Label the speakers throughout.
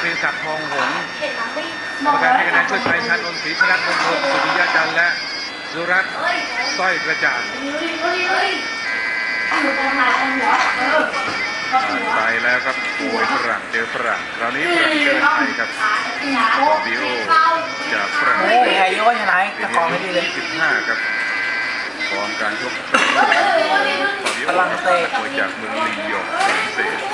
Speaker 1: เภสัชทองหงส์กรรมการให้คะแนนช่วยชัยชันนนท์ศรีชนะมงคลสุริยะจันทร์และสุรัตน์สร้อยกระจ่างไปแล้วครับมวยฝรั่งเจอฝรั่งคราวนี้ฝรั่งเจอไทยครับฟาบิโอจากฝรั่งเศส
Speaker 2: ไทยโยนชนะตะกองไม่ดีเลย
Speaker 1: 25ครับฟอร์มการชกฝรั่งเศสมวยจากเมืองลียงฝรั่งเศส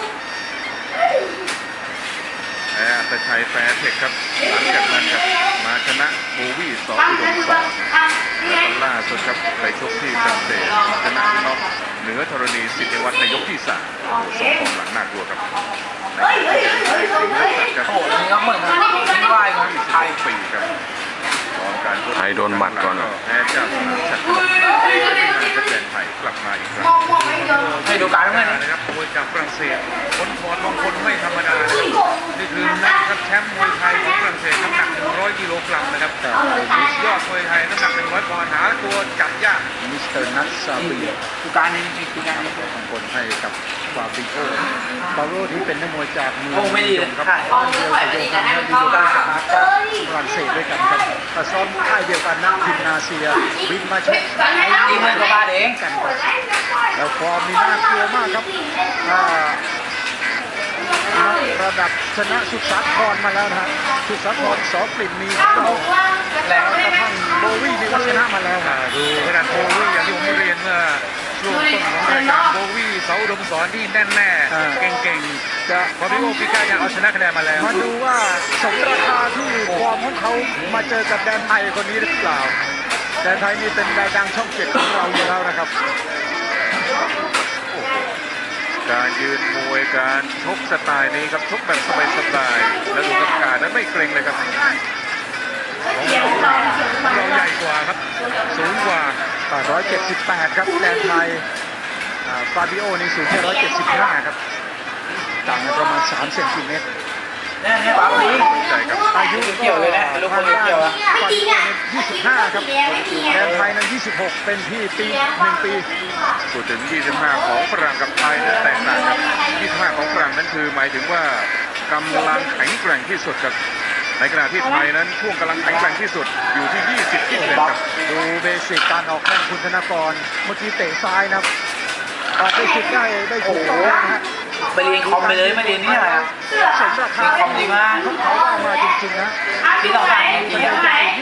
Speaker 1: อัตชัยแฟร์เทคครับหลังจากนั้นครับมาชนะโบวี่สองอุดมสองและล่าสุดครับไปชกที่ฝรั่งเศสชนะน็อกเหนือธรณีสิทธิวัฒน์ในยกที่3สองของหลังน่ากลัวครับในสิงห์สัตว์ครับ
Speaker 2: โอ้โหนี่ก็เหมือนกันไม่ไหวนะไทย
Speaker 1: ปีครับ
Speaker 3: ไทยโดนหมัดก่อน
Speaker 1: แพ้เจ้าสนามชัดไม่นานก็แดนไทยกลับมาอีกครั้ง
Speaker 2: ให้ดูการเมื่อ
Speaker 1: นะครับมวยจากฝรั่งเศสคนถอดมงคลไม่ธรรมดานี่คือนักครับแชมป์มวยไทยของฝรั่งเศสน้ำหนัก100 กิโลกรัมนะครับยอดมวยไทยน้ำหนัก100 ปอนด์หาตัวจับยากมิสเตอร์นัทซาบี
Speaker 2: ดูการนี้ดูการนี้
Speaker 1: มงคลให้กับฟาบิโอที่เป็นนักมวยจากเมือง
Speaker 2: โอ้ไม่ดีเลย
Speaker 1: ครับ
Speaker 2: ค่ะ
Speaker 1: เดียวกับโยฮันและดิโก้สมาร์ทจากฝรั่งเศสด้วยกันครับแต่ซ้อมค่ายเดียวกันนักยิมนาเซียบินมาชก
Speaker 2: ดีมันก็มาเอง
Speaker 1: กันครับแล้วฟอร์มนี่น่ากลัวมากครับระดับชนะสุดสาครมาแล้วนะฮะสุดสาครสอกลิ่นมีเราแล้วกระทั่งโบวี่นี่ก็ชนะมาแล้วดูขนาดโบวี่อย่างที่ผมเรียนเมื่อช่วงต้นของรายการโบวี่เสาอุดมสอนที่แน่นแน่เก่งๆจะพอพี่โอปิก้ายังเอาชนะคะแนนมาแล้วมาดูว่าสมราคาที่ฟอร์มของเขามาเจอกับแดนไทยคนนี้หรือเปล่าแดนไทยนี่เป็นดาวดังช่อง7ของเราอยู่แล้วนะครับการยืนมวยการชกสไตล์นี้ครับชกแบบสบายๆแล้วดูกรรมการนั้นไม่เกรงเลยครับของเราใหญ่กว่าครับสูงกว่า178ครับแดนไทยฟาบิโอนี่สูงแค่175ครับต่างกันประมาณ3 เซนติเมตร
Speaker 2: เนี่ยปั๊บนี้
Speaker 1: ใช่ครับอายุ
Speaker 2: เกี่ยวเลยนะลูกคนเกี่ยวอะ
Speaker 1: ฟาบิโอนี่25ครับแดนไทยนั้น26เป็นพี่ปี1 ปีพูดถึง25ของฝรั่งกับไทยนั้นแตกต่างครับ25ของฝรั่งนั้นคือหมายถึงว่ากำลังแข็งแกร่งที่สุดครับในขณะที่ไทยนั้นช่วงกำลังแข็งแกร่งที่สุดอยู่ที่20ครับดูเบสิกการออกแข้งคุณธนกรเมื่อกี้เตะซ้ายนะครับได้สุดได้ถูกต้องนะฮะ
Speaker 2: ไปเรียนคอมไปเลยไม่เรียนนี่อะไรอ่ะ
Speaker 1: สมราคาคอมดีมากเขาได้มาจริงๆนะ
Speaker 2: ที่ต้องการจริงๆ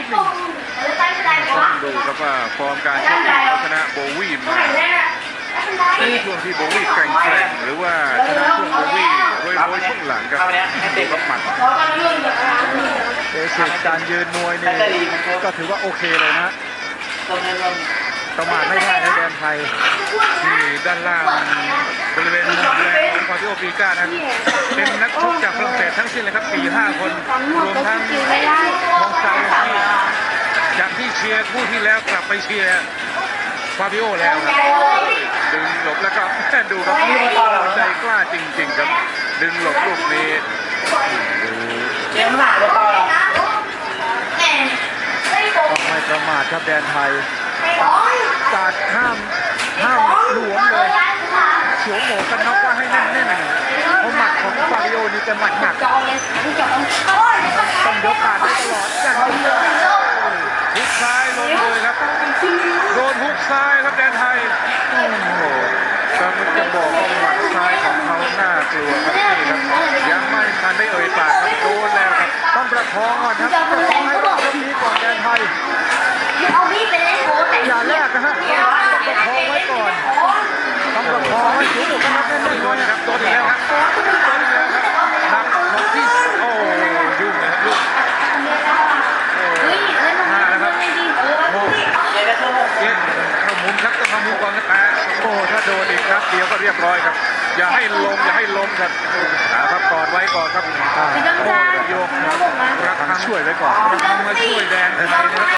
Speaker 1: ต้องดูครับว่าฟอร์มการชกชนะโบวี่มาในช่วงที่โบวี่แกร่งหรือว่าชนะช่วงโบวี่โดยช่วงหลังครับเตะกับหมัดเบสิกการยืนมวยนี่ก็ถือว่าโอเคเลยนะประมาทไม่ได้ในแดนไทยที่ด้านล่างบริเวณมุมแดงของฟาบิโอปิก้านั้นเป็นนักชกจากฝรั่งเศสทั้งสิ้นเลยครับ 4-5 คนรวมทั้งทองซาที่จากที่เชียร์คู่ที่แล้วกลับไปเชียร์ฟาบิโอแล้วครับดึงหลบแล้วก็ดูครับใจกล้าจริงๆครับดึงหลบลูกนี้ดู
Speaker 2: เลี้ยงหมาแล้วก็
Speaker 1: ต้องไม่ประมาทครับแดนไทยการห้ามหลวมเลยสวมหมวกกันน็อกว่าให้แน่นๆเพราะหมัดของฟาบิโอนี่จะหมัดหนักต้องยกการได้ตลอดอย่างนี้ฮุกซ้ายลงเลยครับโดนฮุกซ้ายครับแดนไทยโอ้โหกำลังจะบอกว่าหมัดซ้ายของเขาน่ากลัวครับนี่ครับยังไม่ทันได้เอ่ยปากครับโดนแล้วครับต้องประคองก่อนครับประคองให้รอบนี้ก่อนแดนไทยอย่าแลกนะฮะต้องประคองไว้ก่อนต้องประคองไว้สูงกว่ากันแน่นๆเลยครับโดนอีกแล้วครับโดนอีกแล้วครับหนักหมดที่โอ้ยุ่งนะครับยุ่งนะครับโอ้เย็นเข้ามุมครับต้องเข้ามุมก่อนนะครับโอ้ถ้าโดนอีกครับเดียวก็เรียบร้อยครับอย่าให้ล้มครับครับกอดไว้ก่อนครับโยกรักทางช่วยไว้ก่อนรักทางมาช่วยแดนไทยนะครับ